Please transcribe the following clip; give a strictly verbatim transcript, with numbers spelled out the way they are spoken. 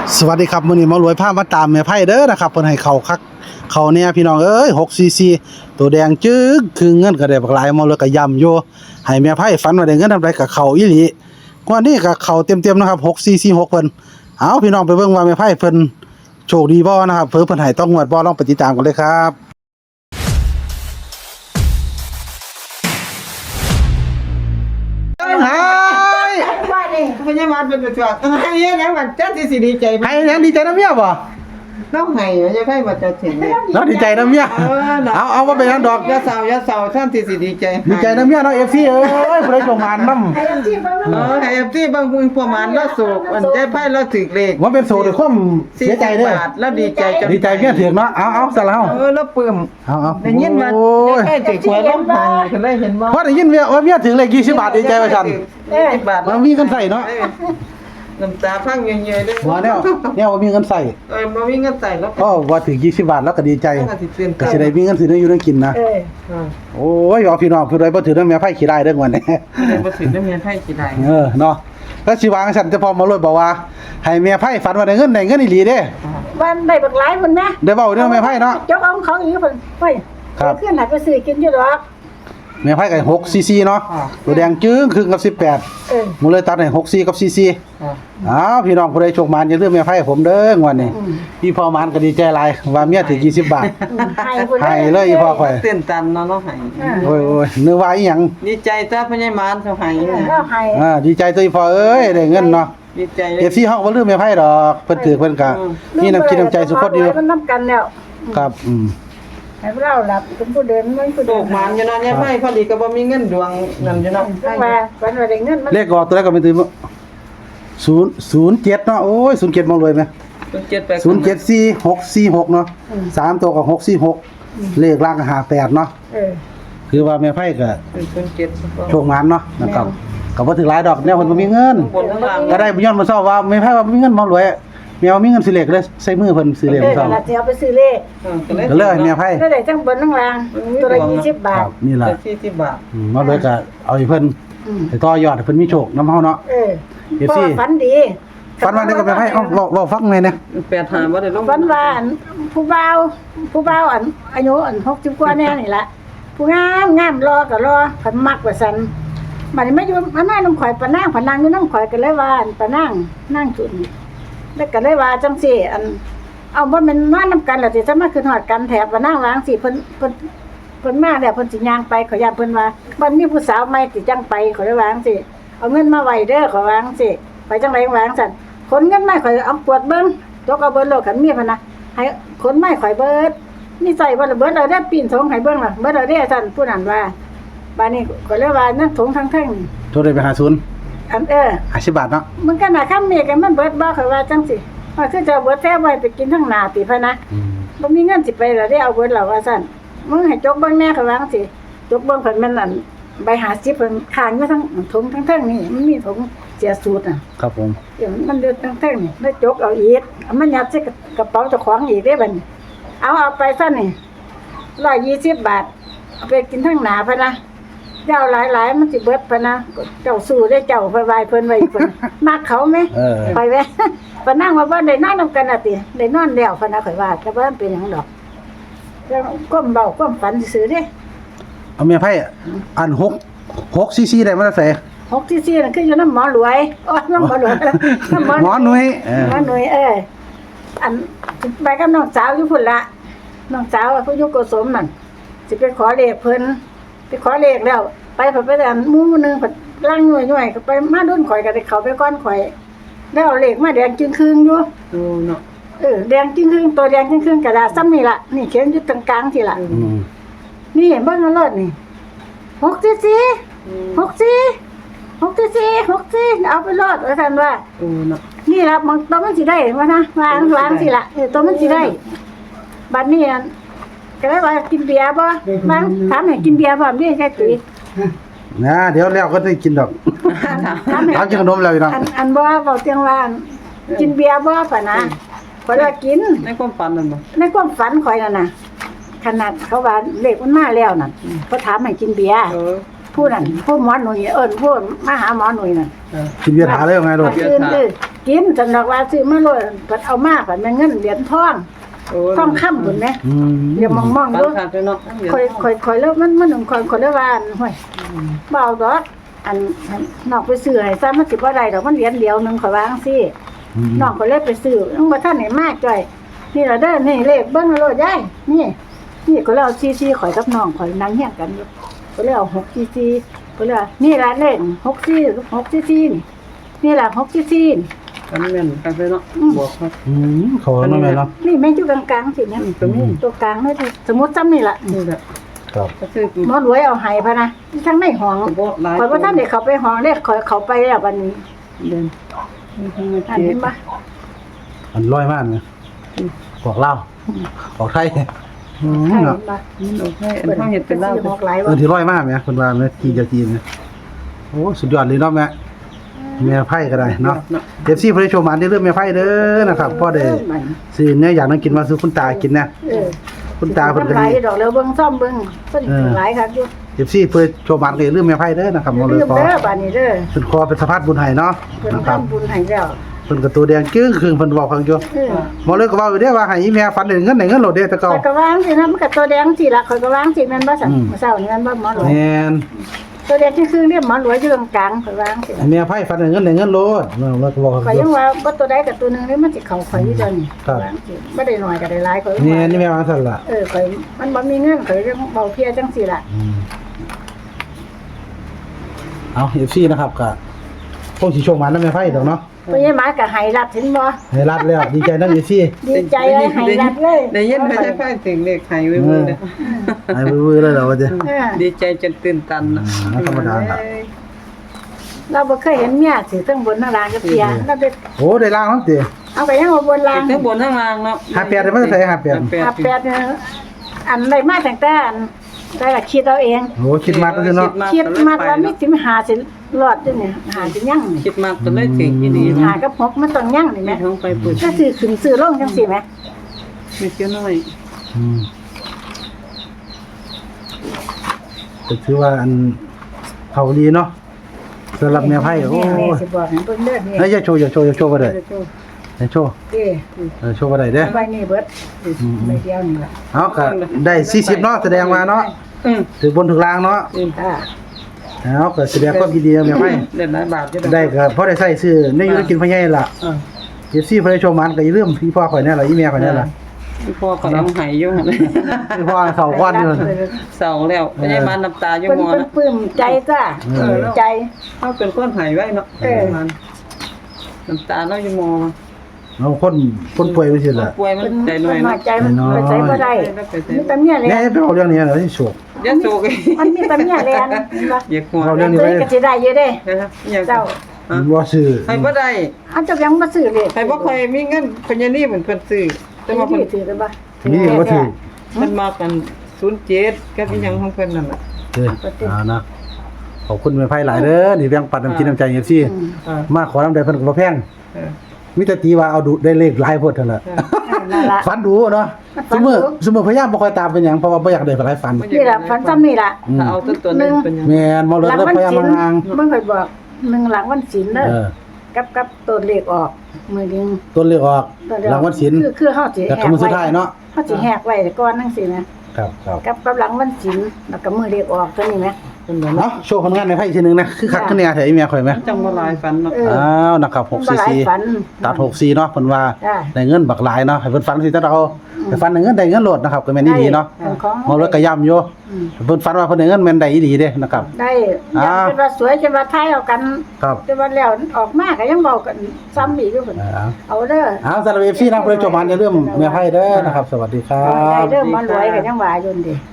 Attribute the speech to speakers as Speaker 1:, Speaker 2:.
Speaker 1: สวัสดีครับมื้อนี้หมารวยพามาตามแม่ไพ่เด้อนะครับเพิ่นให้เข้าคักเข้าแน่พี่น้องเอ้ยหกซีซีตัวแดงจึ๊กคือเงินก็ได้บักหลายหมอเลยก็ย่ำอยู่ให้แม่ไพ่ฝันว่าได้เงินทำไรก็เข้าอีหลีกว่านี้ก็เข้าเต็มๆนะครับหกซีซีหกเพิ่นเอาพี่น้องไปเบิ่งว่าแม่ไพ่เพิ่นโชคดีบ่นะครับเพิ่นเพิ่นให้ต้องงวดบ่ลองไปติดตามกันเลยครับหาย
Speaker 2: ว่านี่พญามาเป็นตัวให้ยังมันเจ้าที่สิดีใจ
Speaker 1: ให้ยังดีใจนำเมียบ่
Speaker 2: น้องให้จะให้มาจะถึงเนี่ย
Speaker 1: เนาะดีใจนำเมียเอาเอาบ่เป็นหยังดอก
Speaker 2: ยาสาวยาสาวท่านที่สิดีใจ
Speaker 1: ดีใจนำเมียเนาะ เอฟ ซี เอ้ยผู้ใดส่งมานำ
Speaker 2: เออให้ที่บางคนประมาณละโศกมันได้ไพ่ละถึกเลข
Speaker 1: ว่าเป็นโสดด้วยความเสียใจเด้อ
Speaker 2: แล้วดีใจจน
Speaker 1: ดีใจเมียถึงเนาะเอาเอาซะแล้ว
Speaker 2: เออแล้วปลื้ม
Speaker 1: เอาเอา
Speaker 2: ได้ยินว่า
Speaker 1: โอ้ย
Speaker 2: ได้ถึกหวยล้มหายก็เลยเห็นบ่
Speaker 1: พอได้ยินเมียว่าเมียถึงเลขยี่สิบบาทดีใจว่าซั่น
Speaker 2: ยี่สิบบาท
Speaker 1: มันมีเงินใส่เนาะ
Speaker 2: น้ำตาพังเยอะๆเลย
Speaker 1: ว่าแนวแนวว่ามีเงินใส่
Speaker 2: เออบ่มีเงินใส่แล้ว
Speaker 1: ก็ว่าถึงยี่สิบบาทแล้วก็ดีใจ
Speaker 2: ก็สิตื่น
Speaker 1: ก็สิได้มีเงินสิได้อยู่ได้กินนะ
Speaker 2: เออ
Speaker 1: โอ้ยเอาพี่น้องผู้ใดบ่ถือเรื่องแม่ไผขี้ได้เด้อวันนี้
Speaker 2: ได้บ่ถึงได้เมียไพ่กี่ได้
Speaker 1: เออเนาะแล้วสิวางซั่นจะพอมาเลยบอกว่าให้แม่ไผฝันว่าได้เงินได้เงินอีหลีเด้
Speaker 3: วันได้บักหลายพุ่นแม่
Speaker 1: ได้เว้าเรื่องแม่ไผเนาะ
Speaker 3: จกเอาของเขาอีกพุ่นเฮ้ย
Speaker 1: ครับ
Speaker 3: ขึ้นหาไปซื้อกินอยู่ดอก
Speaker 1: แม่ไผก็หกซีซีเนาะตัวแดงจึ้งครึ่งกับสิบแปด
Speaker 3: เออ
Speaker 1: หมูเลยตัดให้หกซีกับซีซี
Speaker 2: อ่า
Speaker 1: อ้าวพี่น้องผู้ใดโชคมานอย่าลืมแม่ไพ่ผมเด้องวันนี้พี่พ่อมานก็ดีใจหลายว่าเมียถึงยี่สิบบาท
Speaker 3: ให้พุ่น
Speaker 1: ให้เลยอีพ่อข่อย
Speaker 2: ตื่นตันเนาะเนาะให้
Speaker 1: โอ้ยโอ้ยนึกว่าอีหยัง
Speaker 2: ดีใจจ้าพญามารเขาให้
Speaker 3: ก็ให้
Speaker 1: อ่าดีใจตัวอีพ่อเอ้ยได้เงินเนาะ
Speaker 2: ดีใจเล
Speaker 1: เอย ฟซีเฮาบ่ลืมแม่ไพ่ดอกเพิ่นถือเพิ่นก็มีน้ำจิตน้ำใจสุขคนอยู่
Speaker 3: มันนํกันแล้ว
Speaker 1: ครับอืม
Speaker 3: ให้เราหลับเป็นผู้เดินมันผู้
Speaker 2: โต
Speaker 3: เดิน
Speaker 2: กมานอยู่เนาะเนี่ยไพ่พอดีก็บ่มีเงินดวงนั่นอยู่เนาะ
Speaker 3: จังว่าวันว่าได้เงินมัน
Speaker 1: เลขออกตัวแรกก็เป็นตัวศูนย์ ศูนย์เจ็ดเนาะโอ้ยศูนย์เจ็ดมองเลยไหม
Speaker 2: เจ็ดไป
Speaker 1: ศูนย์เจ็ดสี่หกสี่หกเนาะสามตัวก็หกสี่หกเลขล่างก็ห้าแปดเนาะ
Speaker 3: เออ
Speaker 1: คือว่าแม่ไพ่ก็
Speaker 2: ศูนย์เจ็ด
Speaker 1: โชคมานเนาะนะครับก็บ่ถึงหลายดอกแนวเพิ่นบ่มีเงิน
Speaker 2: บนข้างล่าง
Speaker 1: ก็ได้ย้อนมาเศร้าว่าไม่ไพ่ว่ามีเงินบ่รวยแมวมีเงินสิเหล็กเลยใส่มือเพิ่นสิเหล็ก
Speaker 3: เออ
Speaker 1: เศร้า
Speaker 3: แล้วจะเอาไปซื้อเลข
Speaker 1: ก็เลยแมวไพ่
Speaker 3: ได้ได้ทั้งบนทั้งล่างตัวละยี่สิบบา
Speaker 1: ค
Speaker 3: ท
Speaker 1: รับนี่ล่ะ
Speaker 2: สี่สิบบาท
Speaker 1: อืมมารวยก็เอาให้เพิ่น
Speaker 3: อืม
Speaker 1: ให้ต่อยอดให้เพิ่นมีโชคนำเฮาเนาะ
Speaker 3: เออ
Speaker 1: เอฟซี
Speaker 3: พ่อฝันดี
Speaker 1: ฝันว่าได้ก็แมวไพ่เอ้าเว้าเว้าฟังหน่อยนะ
Speaker 2: แปดหาบ่ได้ลง
Speaker 3: ฝันว่าอันผู้บ่าวผู้บ่าวอันอายุอันหกสิบกว่าแน่นี่ล่ะผู้งามงามรอก็รอผันมักว่าซั่นบัดนี้มาอยู่มานั่งน้ำข่อยปะนางปะนางอยู่น้ำข่อยก็เลยว่าอันปะนางนั่งจุดนี่แล้วก็เลยว่าจังซี่อันเอาบ่แม่นนอนนำกันแล้วสิจะมาขึ้นฮอดกันแถบปะนางวางสิเพิ่นเพิ่นเพิ่นมาแล้วเพิ่นสิย่างไปขอยย่านเพิ่นว่าบ่มีผู้สาวใหม่สิจังไปขอยเลยวาจังสิเอาเงินมาไว้เด้อขอยวาจังสิไปจังไดวาจังซั่นขนเงินมาข่อยเอาปวดเบิ่งจกเอาเบิ่งโลดคันมีพะนะให้ขนไม้ข่อยเบิดนี่ใส่บ่ละเบิดเอาได้ปีนทงให้เบิ่งล่ะเบิดเอาได้ซั่นผู้นั้นว่าบาดนี้ก็เลยว่านั่นถงทั้งทั้งนี่
Speaker 1: โทรได้ไปหาศูนย์
Speaker 3: อันเออ
Speaker 1: ห้าสิบบาทเนาะ
Speaker 3: มันก็น่ะคำนี้กันมันเบิดบ่ข่อยว่าจังสิว่าคือจะเอาเบิดแท้ไว้ไปกินทั้งหน้าติพะนะ
Speaker 1: อืม
Speaker 3: บ่มีเงินสิไปแล้วได้เอาเบิดแล้วว่าซั่นมึงให้จกเบิ่งแน่ข่อยว่าจังสิจกเบิ่งเพิ่นมันนั่นใบห้าสิบเพิ่นค้างอยู่ทั้งถงทั้งทั้งนี่มันมีถงเสียสูตรน่ะ
Speaker 1: ครับผม
Speaker 3: เดี๋ยวมันเดือดทั้งทั้งนี่แล้วจกเอาอีกเอามันยัดใส่กระเป๋าเจ้าของอีกได้บัดนี้เอาเอาไปซะนี่หนึ่งร้อยยี่สิบบาทเอาไปกินทั้งหน้าพะนะเจ้าหลายๆมันสิเบิดพะนะเจ้าสู้ได้เจ้าไปไหว้เพิ่นไว้อีกเพิ่นมักเขาไหม
Speaker 1: เออ
Speaker 3: ไปแว้ปนั่งว่าบ่ได้นอนนำกันน่ะติได้นอนแล้วพะนะข่อยว่าแต่ว่ามันเป็นหยังดอกแล้วก้มเบาก้มฝันซื่อๆเด้
Speaker 1: เอาแม่ไพ่อันหก หกซีซีได้มาได้ใส่
Speaker 3: หกที่สี่นั่นคืออยู่น้ำหมอรวยอ๋อน้ำหมอรวยน้ำ
Speaker 1: หมอหนุ่ยเออ
Speaker 3: หมอหนุ่ยเอออันไปกับน้องสาวอยู่พุ่นละน้องสาวผู้อยู่โกสมนั่นสิไปขอเลขเพิ่นไปขอเลขแล้ว ไปเพิ่นไปแต่หมู่นึงเพิ่นล่างหน่วยๆก็ไปมาโดนข่อยก็ได้เข้าไปก่อนข่อยแล้วเอาเลขมาแดงจึงครึ่งอยู่
Speaker 2: โอ้เนาะ
Speaker 3: เออแดงจึงครึ่งตัวแดงจึงครึ่งกระดาษซ้ำนี่ล่ะนี่เขียนอยู่ตรงกลางที่ล่ะ
Speaker 1: อืม
Speaker 3: นี่เบิ่งเอารถนี่หกสี่สี่หกสี่หกสี่สี่หกสี่เอาไปรถว่าซั่นว่า
Speaker 2: โอ้เนาะ
Speaker 3: นี่ล่ะมันตัวมันสิได้ว่านะวางวางสิล่ะเออตัวมันสิได้บัดนี้อันก็เลยว่ากินเบียร์บ่บางถามให้กินเบียร์บ่นี่ใช่ตุ้ย
Speaker 1: นะเดี๋ยวแล้วก็ได้กินดอก
Speaker 3: ถามให้
Speaker 1: ถามกินขนมแล้วพี่น้อง
Speaker 3: อันอันบ่เว้าเตียงว่าอันกินเบียร์บ่ปะนะข่อยว่ากิน
Speaker 2: ในความฝันนั่นบ่
Speaker 3: ในความฝันข่อยนั่นน่ะขนาดเขาว่าเลขมันมาแล้วน่ะเขาถามให้กินเบียร์
Speaker 2: เออ
Speaker 3: ผู้นั้นผู้หมอหนุ่ยเอิ้นผู้มาหาหมอหนุ่ยน่ะ
Speaker 2: เออ
Speaker 1: กินเบียร์ถาเลยว่าไงโดด
Speaker 3: ตื่นคือกินสำหรับว่าซื้อมาโลดเพิ่นเอามาเพิ่นแม่นเงินเหรียญทอง
Speaker 2: โอ้
Speaker 3: ทองคำพุ่นแหม
Speaker 1: อืม
Speaker 3: เดี๋ยวมอง
Speaker 2: ปั
Speaker 3: ๆ
Speaker 2: น
Speaker 3: ดู
Speaker 2: ขาดด้วยเนาะ
Speaker 3: ค่อยค่อยค่อยแล้วมันมันคอยค่อยแล้วว่าอันห้วยบ่เอาดอกอันอันนอกไปซื้อให้ซะมันสิบ่ได้ดอกมันเหรียญเดียวหนึงข่อยวาจังซี่
Speaker 1: อืม
Speaker 3: น้องก็เลยไปซื้อยังบ่ทันได้มาจ้อยนี่ล่ะเด้อนี่เลขเบิ่งเอาโลดยายนี่นี่ก็เลยเอาซีซีข่อยกับน้องข่อยนั่งเฮียงกันอยู่ก็เลยเอาหกซีซีก็เลยว่านี่ล่ะเลขหกซีหกซีซีนี่นี่ล่ะหกซีซีนี่
Speaker 2: กันแม่นกันไปเนาะบอกครับ
Speaker 1: อืมเขาเนาะแม่เนาะ
Speaker 3: นี่แม่อยู่กลางๆสิแม่
Speaker 2: ตรงนี้
Speaker 3: ตัวกลางนี่สมมุติซ้ำนี่ล่ะ
Speaker 2: นี่แหละ
Speaker 1: ครับ
Speaker 2: ก็คือ
Speaker 3: หมอรวยเอาให้พะนะที่ทั้งในห้อง
Speaker 2: บ่หลาย
Speaker 3: ข่อยบ่ทันได้เข้าไปห้องเด้ข่อยเข้าไปแล้วบัดนี้
Speaker 2: เดิน
Speaker 3: อันนี้บ่
Speaker 1: อันร้อยมากเนี่ยบอกเล่าบอกไทยอืม
Speaker 3: ใช่
Speaker 1: เนาะ
Speaker 3: บ่
Speaker 2: มันโอเคอันเฮาเฮ็ดเป็นลาว
Speaker 3: หกหลาย
Speaker 1: เอ
Speaker 3: บ่
Speaker 1: อที่ร้อยมากเนี่ยคนว่าแม่จีนจะจีนเนี่ยโอ้สุดยอดเลยเนาะแม่แม่ไพ่ก็ได้เนาะเอฟซีพระโชว์มันได้เรื่องแม่ไพ่เด้อนะครับพ่อได้ซื้อเนี่ยอยากนั่งกินมาซื้อคุณตากินนะ
Speaker 3: เออ
Speaker 1: คุณตาเพิ่นก็
Speaker 3: หลา
Speaker 1: ดี
Speaker 3: ยดอกแล้วเบิ่งซ่อมเบิ่งเพิ่นหลายครับอยู่
Speaker 1: เอฟซีเพื่อโชว์มันเลยเรื่องแม่ไพ่เด้อนะครับมองเล
Speaker 3: ลื
Speaker 1: ย
Speaker 3: ม
Speaker 1: ขอ
Speaker 3: เด้อบัดนี้เด้อ
Speaker 1: เป็นคอเป็นสะพานบุญไห้เนาะ
Speaker 3: เพิ่น
Speaker 1: นะครับ
Speaker 3: ทำบุญให้แล้ว
Speaker 1: เพิ่นก็ตัวแดงจึ้งคือเพิ่นบอกฟังอยู่
Speaker 3: เออ
Speaker 1: มองเลยก็เว้าอยู่เด้อว่าให้อีแม่ฝันได้เงินได้เงินโหลดเด้อแต่เก่า
Speaker 3: ข่อยก็วางสินะมันก็ตัวแดงสิล่ะข่อยก็วางสิแม่นบ่สั่น
Speaker 1: อืม
Speaker 3: เมื่อเช้านี้แม่นบ่หมอหลวง
Speaker 1: แม่น
Speaker 3: ตัวแดงคือๆเรียกหมอหลวงอยู่ตรงกลางข่อยวางสิ
Speaker 1: ให้แม่ไพ่ฝันได้เงินได้เงินโหลดเนาะแล้วก็บอก
Speaker 3: ข่อยยังว่าบ่ตัวใดกับตัวหนึงนี่มันสิเข้าข่อยอยู่เดี๋ยวนี้
Speaker 1: ครับ
Speaker 3: วางสิบ่ได้น้อยก็ได้หลายข่อย
Speaker 1: นี่นี่แม่วางซั่นล่ะ
Speaker 3: เออข่อยมันบ่มีเงินข่อยเรื่องเบาเพลียจังซี่ล่ะ
Speaker 1: อืมเอา เอฟ ซี นะครับก็คงสิโชคมันนำแม่ไพ่ดอกเนาะ
Speaker 3: เพิ่นยังมาก็ให้รับเห็นบ่
Speaker 1: ให้รัดแล้วดีใจนำ เอฟ ซี
Speaker 3: ดีใจเลยให้รับเลย
Speaker 2: ได้ยินเขาจะพาถึงเลขไห้ไว้มื้อเด้อ
Speaker 1: ให้วื้อๆเลยเหรอว่าจะ
Speaker 3: เออ
Speaker 2: ดีใจจนตื่นตัน
Speaker 1: อ่
Speaker 2: น่ะ
Speaker 1: าธรรมดาครับ
Speaker 3: เราบ่เคยเห็นเมียสิทั้งบนทั้งล่างกับเสียเราไป
Speaker 1: โอ้ได้ล่างแล้วติ
Speaker 3: เอาไปยังเอาบนล่าง
Speaker 2: ทั้งบนทั้งล่างเนาะ
Speaker 1: ห้าแปดได้มาใส่ห้าแปด
Speaker 3: อาแปดเนี่ยอันใดมาตั้งแต่อันได้ละคิดเอาเอง
Speaker 1: โอ้คิดมากก็คือเนาะ
Speaker 3: คิดมากว่ามีสิมหาสิรอดด้วยเนี่ยหาสิยั่งนี่
Speaker 2: คิดมากก็เลยถึงอีดี
Speaker 3: หากับหกมันต้องยั่งนี่แห
Speaker 2: แม่
Speaker 3: ม่
Speaker 2: ท้องไปปุ๋ย
Speaker 3: ก็ซื้อขึ้นซื้อลงจังซี่แหม
Speaker 2: มีเจ้าน้อย
Speaker 1: อืมก็ถือว่าอันเขาดีเนาะสำหรับแม่ไพ่โอ้
Speaker 3: แม่สิบอกให้เพิ่นเด้อนี่
Speaker 1: เฮ้ยอย่าโชว์อย่าโชว์อย่าโชว์บ่ได้อย่าโชว์
Speaker 3: เด้
Speaker 1: เออโชว์บ่ได้เด้อ
Speaker 3: ใบนี้เบิดใบเดียวนี่ล่ะ
Speaker 1: เอาก็ได้สี่สิบเนาะแสดงว่าเนาะ
Speaker 2: อืม
Speaker 1: ถึงบนถึงล่างเนาะ
Speaker 3: อ่า
Speaker 1: เอาก็แสดงความยินดีกับแม่ไพ่
Speaker 2: เด่นหลายบาทอยู่
Speaker 1: ได้ก็พอได้ใส่ซื้อในอยู่ได้กินพ่อใหญ่ล่ะ
Speaker 2: อ่า
Speaker 1: เอฟซีเพิ่นได้โชว์มันก็อย่าลืมพี่พ่อข่อยแน่ล่ะอีแม่ข่อยแน่ล่ะ
Speaker 2: พ่อก็ร้องไห้อยู่หั่น
Speaker 1: พี่พ่อเขาก้อนอยู่
Speaker 2: เศร้าแล้วไม่ได้มาน้ำตาอยู่
Speaker 3: เพิ่น
Speaker 2: หมอ
Speaker 3: เพิ่น
Speaker 2: นะ
Speaker 3: ปลื้มใจจ้า
Speaker 1: เออ
Speaker 3: ปลื้มใจ
Speaker 2: เขาเป็นคนไห้ไว้เนาะ
Speaker 3: เออ
Speaker 2: มันน้ำตาเราอยู่หมอ
Speaker 1: เอาคนคนป่วยไปสิล่ะ
Speaker 2: ป่วยมัน
Speaker 3: เพิ่น
Speaker 2: ใจหน่อย
Speaker 3: เพิ่นน้
Speaker 2: เนาะ
Speaker 3: อยใจมัน
Speaker 1: น้อย
Speaker 3: ไปใช้บ่ได้มีแต่เมียแล
Speaker 1: แน่
Speaker 3: น
Speaker 1: ไปเอาเรื่องนี้เหรอที่โชค
Speaker 2: อย่าโศก
Speaker 3: มันมีแต่เมียแลนเห็นบ่
Speaker 2: อย่าหัว
Speaker 1: เอาเรื่องนี้
Speaker 3: เอ้ยก็สิได้อยู่เด้
Speaker 2: นะครับอย่า
Speaker 3: เจ้า
Speaker 1: บ่ซื้อ
Speaker 2: ให้บ่ได้
Speaker 3: อันเจ้ายังบ่ซื้อเลย
Speaker 2: ให้บ่ค่อยมีเงินเพิ่นอยางนี่เหมือนเพิ่นซื้อแต่
Speaker 3: แต่
Speaker 2: ว่า
Speaker 3: ว่า
Speaker 2: เพิ่น
Speaker 3: ถือกันบ่
Speaker 1: นี่บ่ถือ
Speaker 2: เพิ่นมากันศูนย์เจ็ดกับอีหยังของเพิ่นนั่นน่ะ
Speaker 1: เด้อเอานะขอบคุณแม่ไพ่หลายเด้อนี่แบ่งปันน้ำจิตน้ำใจ เอฟ ซี
Speaker 2: อ่า
Speaker 1: มาขอน้ำใจเพิ่นก็บ่แพง
Speaker 2: เออ
Speaker 1: มีแต่ตีว่าเอาดูได้เลขหลายโพดเท่านั้น
Speaker 2: เออ
Speaker 3: นั่นล่ะ
Speaker 1: ฝันดูเนาะ
Speaker 3: ฝั
Speaker 1: ส
Speaker 3: น
Speaker 1: ม
Speaker 3: ดู
Speaker 1: มุติสมมุติพยายามบ่ค่อยตามเป็นหยังเพราะว่าบ่อยากได้หลายฝัน
Speaker 3: นี่ล่ะฝันซ้ำนี่ล่ะ
Speaker 1: อืม
Speaker 2: ถ้าเอาตัวตัวนึงเป็นหยัง
Speaker 1: แม่นบ่เลิก
Speaker 3: หลัง
Speaker 1: แล้ว
Speaker 3: วัน
Speaker 1: พยายาม
Speaker 3: ศีล
Speaker 1: ห่าง
Speaker 3: มึงเคยบอกหนึ่งหลังวันศีลเด้อ
Speaker 1: เออ
Speaker 3: กับกับตัวเลขออกมือนึง
Speaker 1: ต้นเลขออก
Speaker 3: ตัวเดีย
Speaker 1: หลังวันศีล
Speaker 3: คือคือเฮาสิ
Speaker 1: แต่
Speaker 3: แห
Speaker 1: ก็
Speaker 3: ก
Speaker 1: มื้อสุด
Speaker 3: ไว้
Speaker 1: ท้ายเนาะ
Speaker 3: เฮาสิแหกไว้แต่ก่อนจังซี่นะครับ
Speaker 1: ครับ
Speaker 3: กับกับหลังวันศีลแล้วก็มือเลขออกตัวนี้แหม
Speaker 2: เพิ่นบ่
Speaker 1: เนาะโชว์ผลงานในไพ่อีกทีหนึงนะคือคักคือแน่แท้อีแม่ข่อยไหม
Speaker 2: จังบ่หลายฝันเนาะ
Speaker 3: เออ
Speaker 1: อ้าวนะครับหก
Speaker 3: บ่
Speaker 1: สี่
Speaker 3: หลาย
Speaker 1: สี่
Speaker 3: ฝัน
Speaker 1: ตัดหกสี่เนาะเพิ่นว่า
Speaker 3: จ้ะ
Speaker 1: ได้เงินบักหลายเนาะให้เพิ่นฝันสิแต่เราให้ฝันได้เงินได้เงินโลดนะครับก็แม่นอีหลีเนาะ
Speaker 3: เป็นของ
Speaker 1: เมาแล้วก็ย้ำอยู่
Speaker 3: อืม
Speaker 1: เพิ่นฝันว่าเพิ่นได้เงินแม่นได้อีหลีเด้นะครับ
Speaker 3: ได้
Speaker 1: อ่า
Speaker 3: ยังเป็นว่าสวยจนว่าทายเอากัน
Speaker 1: ครับ
Speaker 3: จนว่าแล้วออกมาก็ยังเว้ากันซ้ำอีกอยู่เพิ่น
Speaker 1: อ่า
Speaker 3: เอาเด้อ
Speaker 1: เอาสำหรับ เอฟ ซี นะเพิ่นจบมาอย่าลืมแม่ไพ่เด้อนะครับ สวัสดีครั
Speaker 3: ได้
Speaker 1: บ
Speaker 3: เด้อมันรวยก็ยังว่าอยู่นี่